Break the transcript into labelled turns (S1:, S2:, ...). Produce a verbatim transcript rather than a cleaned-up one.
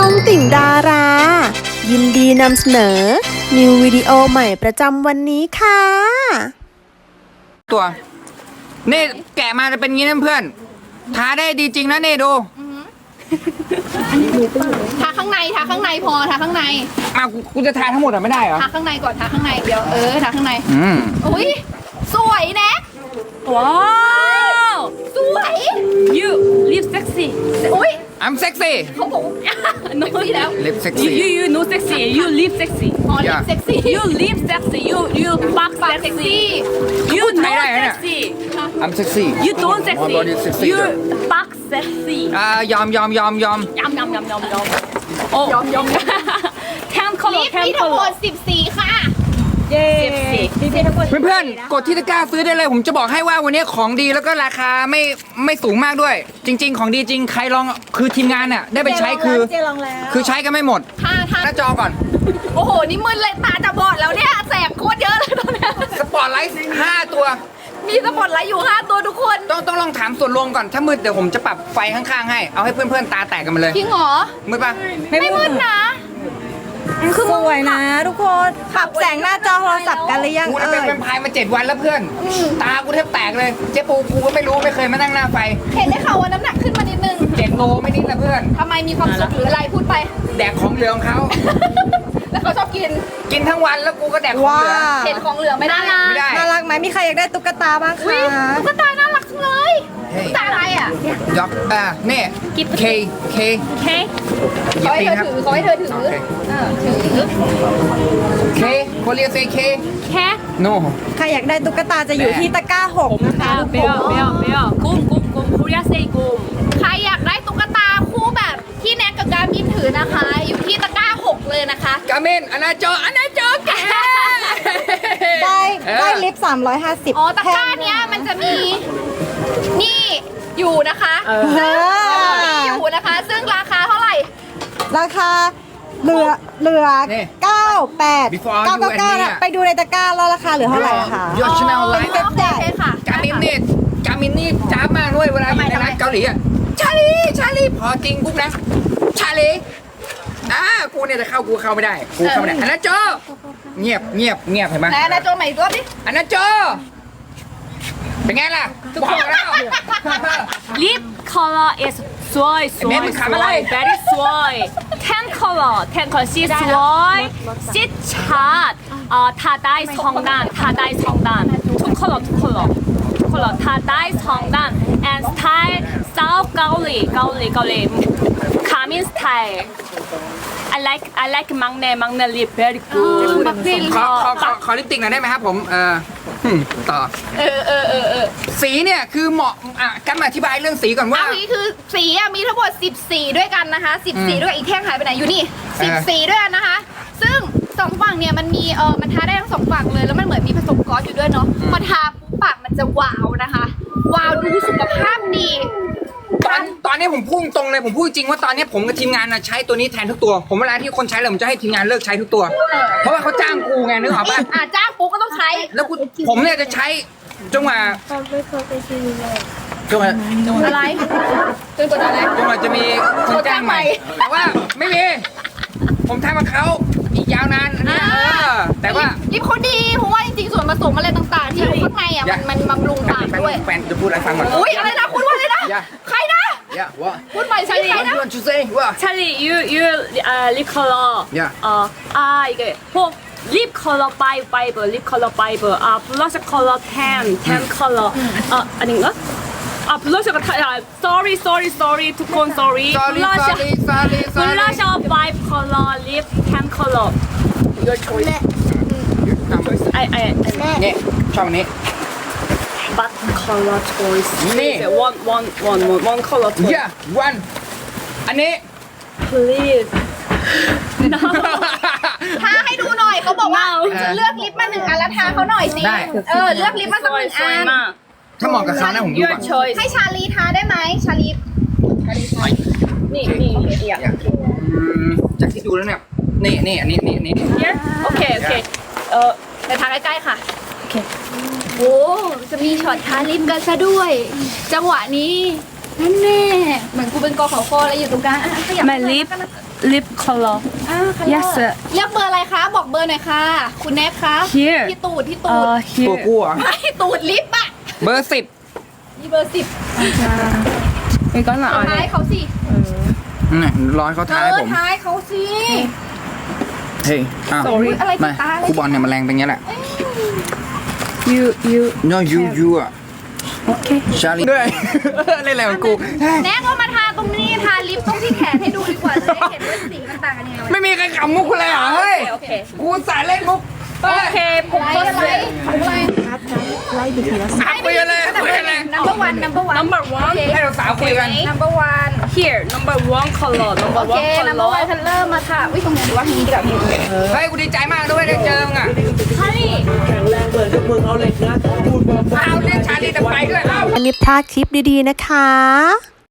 S1: องติ่งดารา ยินดีนำเสนอ นิววิดีโอใหม่ประจำวันนี้ค่ะ
S2: ตัวนี่แกะมาจะเป็นงี้นะเพื่อนทาได้ดีจริงนะนี่ดู
S3: ทาข้างในทาข้างในพอทาข้างใน
S2: อ้าวกูกูจะทาทั้งหมดอ่ะไม่ได้เหรอ
S3: ทาข้างในก่อนทาข้างในเดี๋ยวเออทาข้างใน
S2: อืม
S3: อุ้ยสวยแนะว้าวสวย
S4: You live sexy.
S3: อุ้ย
S2: I'm sexy
S3: เขาบอก
S4: No,
S3: เซ็กซี่แล้ว
S2: lip
S4: you,
S2: sexy
S4: you, you no sexy. You live sexy.
S3: อ๋อลิป
S2: Yeah.
S3: เซ็กซี่
S4: You live sexy. You, you fuck
S3: ปากเซ็กซี่
S4: sexy. You no
S2: Thai này nè.
S4: sexy.
S2: I'm sexy
S4: You don't
S2: My body is
S4: sexy.
S2: sexy
S4: You
S2: ด้วย
S4: fuck sexy.
S2: อ่ายอมยอมยอมยอม
S4: Yum yum yum yum yum. Oh, yum yum. Ten
S3: ลิ
S4: color,
S3: ป
S4: ten
S3: มีทั้งหมด
S4: color.
S3: สิบสีค่ะ
S4: Sexy.
S2: เพื่อนๆกดที่ตะกร้าซื้อได้เลยผมจะบอกให้ว่าวันนี้ของดีแล้วก็ราคาไม่ไม่สูงมากด้วย จริง ๆ ของดีจริงใครลองคือทีมงานเนี่ยได้ไปใช้คือคือใช้กันไม่หมด
S3: ทาทา
S2: หน้าจอก่อน
S3: โอ้โหนี่มึนเลยตาจะบอดแล้วเนี่ยแสบโคตรเยอะเลยตอนเนี้ย
S2: สปอตไลท์ห้าตัว
S3: มีสปอตไลท์อยู่ห้าตัวทุกคน
S2: ต้องต้องลองถามส่วนรวมก่อนถ้ามืดเดี๋ยวผมจะปรับไฟข้างๆให้เอาให้เพื่อนๆตาแตกกันมาเลย
S3: จริงเหรอ
S2: มืดปะ
S3: ไม่มืดนะ
S5: สวยนะทุกคนปรับแสงหน้าจอโทรศัพท์กันหรือยัง
S2: กูน่ะ
S5: เอ่
S2: เป็น
S5: ย
S2: แวมไพร์มาเจ็ดวันแล้วเพื่อน ตากูแทบแตกเลยเจ๊ปูกูก็ไม่รู้ไม่เคยมานั่งหน้าไฟ
S3: เห็นได้ข่าวว่าน้ำหนักขึ้นมานิดนึง
S2: เจ็ดโลไม่นิดนะเพื่อน
S3: ทำไมมีความสุขหรืออะไรพูดไป
S2: แดกของเหลือของเขา
S3: แล้วเขาชอบกิน
S2: กินทั้งวันแล้วกูก็แดกของ
S5: ว้า
S2: เหลือ
S3: เห็นของเหลือไม่ได้
S2: ไม่ได้
S5: น่ารักไหมมีใครอยากได้ตุ๊กตาบ้าง
S3: อุ้ย
S5: คะ
S3: ตุ๊กตาน่ารักจังเลยตุ๊กตาอะไรอ่ะ
S2: ยอกอ่าเนี่ย K K
S4: Okay.
S2: เหยีย
S3: เขา
S2: บ
S3: ให้
S2: ตี
S3: เธ
S2: น
S3: อ
S2: ครับ
S3: ถือเขาให้เธอถือ
S2: โอเค
S3: เออถือ
S2: K คนเรียกเซ K
S4: Cat.
S2: no
S5: ใครอยากได้ตุ๊กตาจะอยู่ที่ตะกร้าหกนะคะทุกคน
S4: Bear, bear, bear. Gum, gum, gum. Korea say gum.
S3: ใครอยากได้ตุ๊กตาคู่แบบที่แนกกับการมินถือนะคะ อยู่ที่ตะกร้าหกเลยนะคะ
S2: กาเมนอนาจออนาจอแก
S5: ได้
S2: เออ
S5: ได้ลิฟต์สามร้อยห้าสิบ
S3: อ๋อตะกร้าเนี้ยมันจะมีนี่อยู่นะคะ
S5: เออ
S3: นี่อยู่นะคะ ซึ่งราคาเท่าไหร่
S5: ราคาเหลือเหลือ
S2: นี่
S5: เก้าแปด
S2: Before
S5: เก้า
S2: you
S5: เก้าเก้า
S2: and me
S5: นะ
S2: อะ
S5: ไปดูในตะกร้าแล้วราคาเหลือเท่าไหร่อะคะ
S2: ยอดชาแนลไล
S5: เป็น
S2: ฟ์
S5: เว็บ
S3: โอ
S5: ใหญ่
S3: เคค่ะ
S2: กามินนี่กามินนี่จ้าบมากด้วยเวลาอยู่ในร้านเกาหลีอ่ะชาลีชาลีพอจริงปุ๊บนะชาลีอ่ากูเนี่ยจะเข้ากูเข้าไม่ได้กูเข้าไม่ได้อันนั้นโจเงียบเงียบเงียบเห็นไหม
S3: ไหนนะโจใหม่อีกรอบดิ
S2: อันนั้นโจเป็นไงล่ะบอกแล้ว
S4: Lip color is soy, soy,
S2: Maybe Kamala.
S4: soy, very soy. Ten color, ten color. She soy, she chat. Uh, Tadai Songdan, Tadai Songdan. Two color, two color, two color. Tadai Songdan and style South Gaoli, Gaoli, Gaoli. Kamin style. I like, I like Mangne, Mangne lip very good.
S2: ขอขอขอขอลิปติกหน่อยได้ไหมครับผมเออหึ่มต่อ
S3: เออเออเออเออ
S2: สีเนี่ยคือเหมาะอ่ะกันมาอธิบายเรื่องสีก่อนว่า
S3: เอางี้คือสีอะมีทั้งหมดสิบสีด้วยกันนะคะสิบ
S2: อืม
S3: สีด้วยกันอีกแท่งหายไปไหนอยู่นี่
S2: เอ
S3: สิบ
S2: อ
S3: สีด้วยกันนะคะ ซึ่งสองฝั่งเนี่ยมันมีเออมันทาได้ทั้งสองฝั่งเลยแล้วมันเหมือนมีผสมกอสอยู่ด้วยเนาะพอทาปุ๊บปากมันจะวาวนะคะ วาวดูสุขภาพดี
S2: ตอนตอนนี้ผมพูดตรงเลยผมพูดจริงว่าตอนนี้ผมกับทีมงานน่ะใช้ตัวนี้แทนทุกตัว ผมเวลาที่คนใช้เลยผมจะให้ทีมงานเลิกใช้ทุกตัว เพราะว่าเขาจ้างกูไงนึกออกปะ
S3: อ่ะจ้างปุ๊บก็ต้องใช้
S2: แล้วกูผมเนี่ยจะใช้จนกว่าจนกว่า
S3: อะไรจนกว่าจะอะไร
S2: จนกว่าจะมีคนจ้างใหม่ แต่ว่าไม่มี ผมทำกับเขาอีกยาวนานอันเนี้ยเออแต่ว่า
S3: ลิปเขาดีเพราะว่าจริงๆส่วนผสมอะไรต่างๆ ที่อยู่ข้างในอ่ะ
S2: อย่า
S3: มันมันบำรุงปากด้วย
S2: แฟนจะพูดอะไรฟังก่อน
S3: อุ้ยอะไรนะคุณว่าอะไรนะ
S2: อย่า
S3: ใครนะ
S2: Yeah what
S3: พูดใหม่สิใคร
S2: What
S3: นะ
S2: you want to say what
S4: Charlie, you, you, uh, lip color.
S2: Yeah.
S4: Uh, ah, 이게 뭐 lip color five, five, lip color five. 아, blush color ten, ten color. 아, 아닌가? 아, blush가 다, 아, sorry, sorry, sorry, 두콘 sorry.
S2: Sorry
S4: blush,
S2: sorry sorry sorry
S4: blush five color, lip ten color. Your choice. I, I, I,
S2: เนี่ยชอบอันนี้
S4: but color choice.
S2: Nee.
S4: Please, one, one, one, one, one color choice.
S2: Yeah one อันนี้
S4: Please. No.
S3: ทาให้ดูหน่อยเขาบอกว่า
S4: ว้าว
S3: จะเลือกลิปมาหนึ่งอันแล้วทาเขาหน่อยสิ
S2: ได้
S3: เออเลือกลิปมาสักหนึ่งอัน
S4: 마.
S2: ถ้าเหมาะกับเขานะผมดู
S4: Your
S2: ก่อน
S4: choice.
S3: ให้ชาลีทาได้ไหมชาลี
S4: 니, 니, yeah.
S2: อืมจากที่ดูแล้วเนี่ยนี่นี่อันนี้นี่นี่
S4: Here? Okay, okay. 어,
S3: เดี๋ยวทาใกล้ๆค่ะโอเคโอ้จะมีช็อตทาลิปกันซะด้วย จังหวะนี้นั่นแน่เหมือนกูเป็นกอขอคออะไรอยู่ตรงกลางอ่ะขยับ
S4: My lip lip color
S3: อ่า
S4: yes
S3: เลือกเบอร์อะไรคะ บอกเบอร์หน่อยค่ะ คุณแน็กคะ
S4: Here
S3: ที่ตูดที่ตูด
S4: uh
S2: ตัว
S4: here
S2: กูเหรอ่ะ
S3: ไม่ตูดลิฟต์อะ
S2: เบอร์สิบ
S3: นี่เบอร์สิบ
S4: 이거는
S3: ท้าย
S4: 안에
S3: เขาสิ
S2: นี่ร้อยเขา
S3: เอ
S2: ท้าย
S3: อ
S2: ผม
S3: ท้ายเขาสิ
S2: เฮ้ยอ้าว
S3: อุ๊ยอะไรติ
S2: มา
S3: ดตาอะไร
S2: ครูบอลเนี่ยมันแรงเป็นอย่างนี้แหละ
S4: you you
S2: เนาะยูยูอ่ะ
S4: okay
S2: ชาลีด้วย เล่นอะไรของกู
S3: แน็กก็มาทาตรงนี้ทาลิปตรงที่แขนให้ดูดีกว่าจะได้เห็นว่าสีมันต่างกันยังไง
S2: ไม่มีใครขำมุกกูเลยเหรอเฮ้ย
S4: โอเค
S2: กูสายเล่นมุกเฮ้ย
S4: okay
S3: อะไรอะไร
S4: focus
S3: อะไร
S2: สาวคุยกันเลยคุยกันเลย
S3: number one number one
S4: number one
S2: ให้เราสาวคุยกัน
S3: number one
S4: here number one color
S3: โอ
S4: number
S3: เค
S4: one
S3: number one
S4: color
S3: คันเริ่มมาค่ะวิตรงนี้ดีกว่าทางนี้ดีกว่าพี่
S2: เฮ้ยกูดีใจมากด้วยได้เจอมึงอ่ะ
S4: Honey
S2: เอาเล่นชาลีแต่ไปด้วยเอ้า
S1: อันนี้พลาดคลิปดีๆนะคะ